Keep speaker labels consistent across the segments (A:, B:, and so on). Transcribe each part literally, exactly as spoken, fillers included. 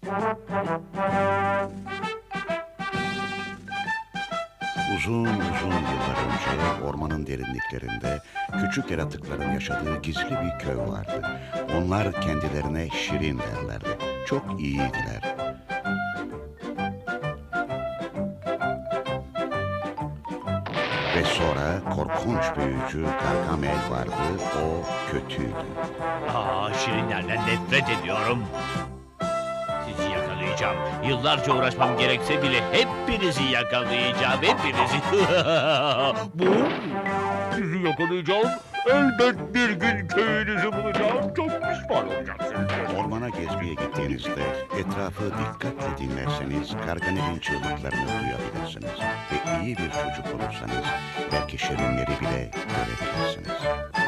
A: Uzun uzun yıllar önce ormanın derinliklerinde küçük yaratıkların yaşadığı gizli bir köy vardı. Onlar kendilerine şirin derlerdi. Çok iyiydiler. Ve sonra korkunç büyücü Gargamel vardı. O kötüydü.
B: Aa, şirinlerden nefret ediyorum. Sizi yakalayacağım. Yıllarca uğraşmam gerekse bile hepinizi yakalayacağım. Hepinizi. Bu. Sizi yakalayacağım. Elbet bir gün köyünüzü bulacağım. Çok pişman olacaksınız.
A: Ormana gezmeye gittiğinizde etrafı dikkatle dinlerseniz Gargamel'in çığlıklarını duyabilirsiniz. Ve iyi bir çocuk olursanız belki şirinleri bile görebilirsiniz.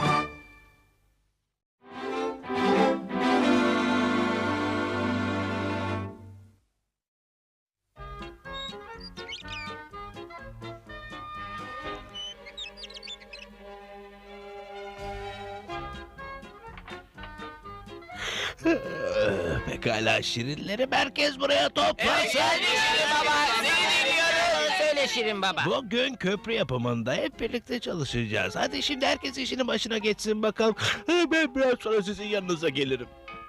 B: Pekala şirinleri merkez buraya toplasın.
C: Şirin baba, seni dinliyoruz. Söyle Şirin baba.
B: Bugün köprü yapımında hep birlikte çalışacağız. Hadi şimdi herkes işinin başına geçsin bakalım. Ben biraz sonra sizin yanınıza gelirim.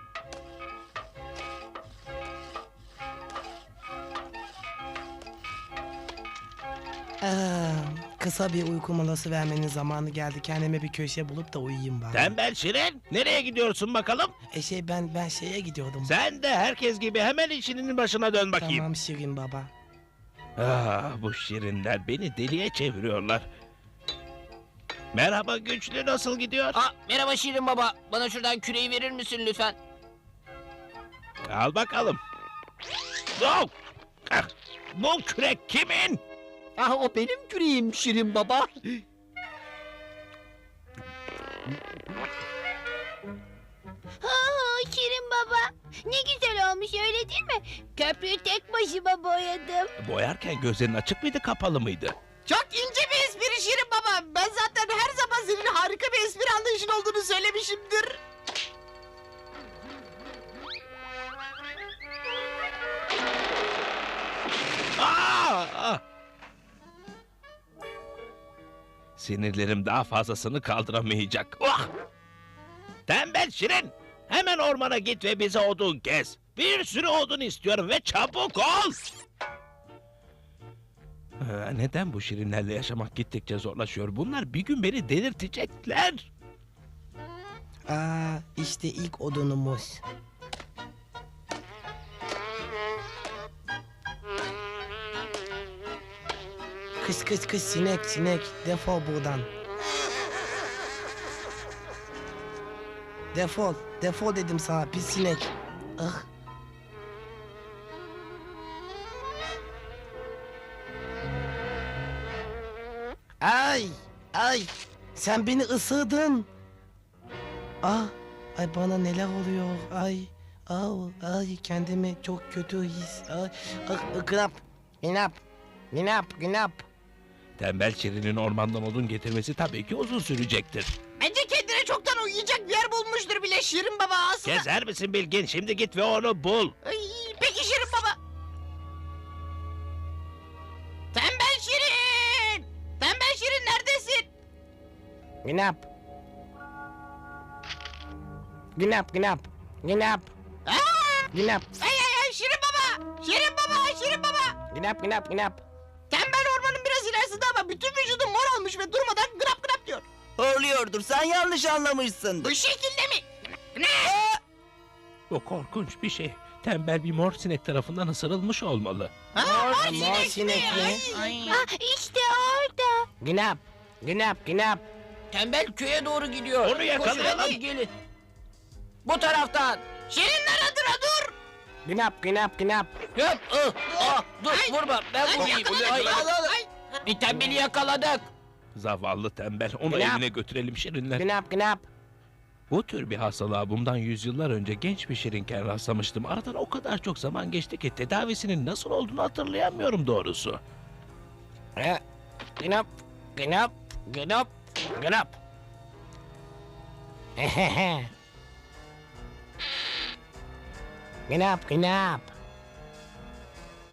D: Aa, kısa bir uyku molası vermenin zamanı geldi. Kendime bir köşe bulup da uyuyayım bari.
B: Tembel şirin, nereye gidiyorsun bakalım?
D: E şey ben ben şeye gidiyordum.
B: Sen de herkes gibi hemen işinin başına dön bakayım.
D: Tamam Şirin baba.
B: Ah, bu şirinler beni deliye çeviriyorlar. Merhaba güçlü, nasıl gidiyor?
C: Aa, merhaba Şirin baba. Bana şuradan küreği verir misin lütfen?
B: Al bakalım. Oh! Ah, bu kürek kimin?
C: Ah, o benim küreğim Şirin baba.
E: Aa, Şirin baba. Ne güzel olmuş öyle değil mi? Köprüyü tek başıma boyadım.
B: Boyarken gözlerin açık mıydı, kapalı mıydı?
F: Çok ince bir espri Şirin baba. Ben zaten her zaman senin harika bir espri anlayışın olduğunu söylemişimdir.
B: Aa! Ah! Sinirlerim daha fazlasını kaldıramayacak. Ah! Tembel şirin! Hemen ormana git ve bize odun kes. Bir sürü odun istiyorum ve çabuk ol! Ee, neden bu şirinlerle yaşamak gittikçe zorlaşıyor? Bunlar bir gün beni delirtecekler.
D: Aa, işte ilk odunumuz. Kış kış kış sinek sinek defol buradan. Defol defol dedim sana pis sinek. Ah. Ay ay sen beni ısırdın. Ah ay bana neler oluyor ay. Au, ay kendimi çok kötü his. Ay, ah, gınap, gınap, gınap, gınap.
B: Tembel şirinin ormandan odun getirmesi tabii ki uzun sürecektir.
F: Bence kendine çoktan uyuyacak bir yer bulmuştur bile Şirin baba aslında.
B: Gezer misin Bilgin? Şimdi git ve onu bul.
F: Ay, peki Şirin baba. Tembel Şirin! Tembel Şirin neredesin?
D: Gınap. Gınap, gınap, gınap,
F: Aa!
D: gınap,
F: Ay ay ay Şirin baba! Şirin baba! Şirin baba!
D: gınap, gınap, gınap.
F: Tembel ormanın biraz ilerisinde ama bütün vücudu mor olmuş ve durmadan gırap gırap diyor.
G: Horluyordur. Sen yanlış anlamışsındır.
F: Bu şekilde mi? Ne?
B: Bu korkunç bir şey. Tembel bir mor sinek tarafından ısırılmış olmalı.
F: Ha,
D: Mor,
F: mor
D: mor
F: sinek
D: sinek
F: mi?
D: mi?
F: Ay.
E: Ah, işte orada.
D: Gınap, gınap, gınap.
C: Tembel köye doğru gidiyor.
B: Onu yakalayalım.
C: Koşun, hadi gelin. Bu taraftan.
F: Şirinler adına dur!
D: Gınap, gınap, gınap.
C: Hop, ah, ah, dur
F: Ay.
C: vurma. Ben
F: Ay,
C: vurayım.
F: yakaladık,
C: Ay,
F: yakaladık. Ay.
C: Bir tembeli yakaladık.
B: Zavallı tembel. Onu
D: Gınap.
B: evine götürelim şirinler.
D: Gınap, gınap.
B: Bu tür bir hastalığa bundan yüzyıllar önce genç bir şirinken rastlamıştım. Aradan o kadar çok zaman geçti ki tedavisinin nasıl olduğunu hatırlayamıyorum doğrusu.
D: Eh, Gınap, gınap, gınap, gınap. Gınap, gınap.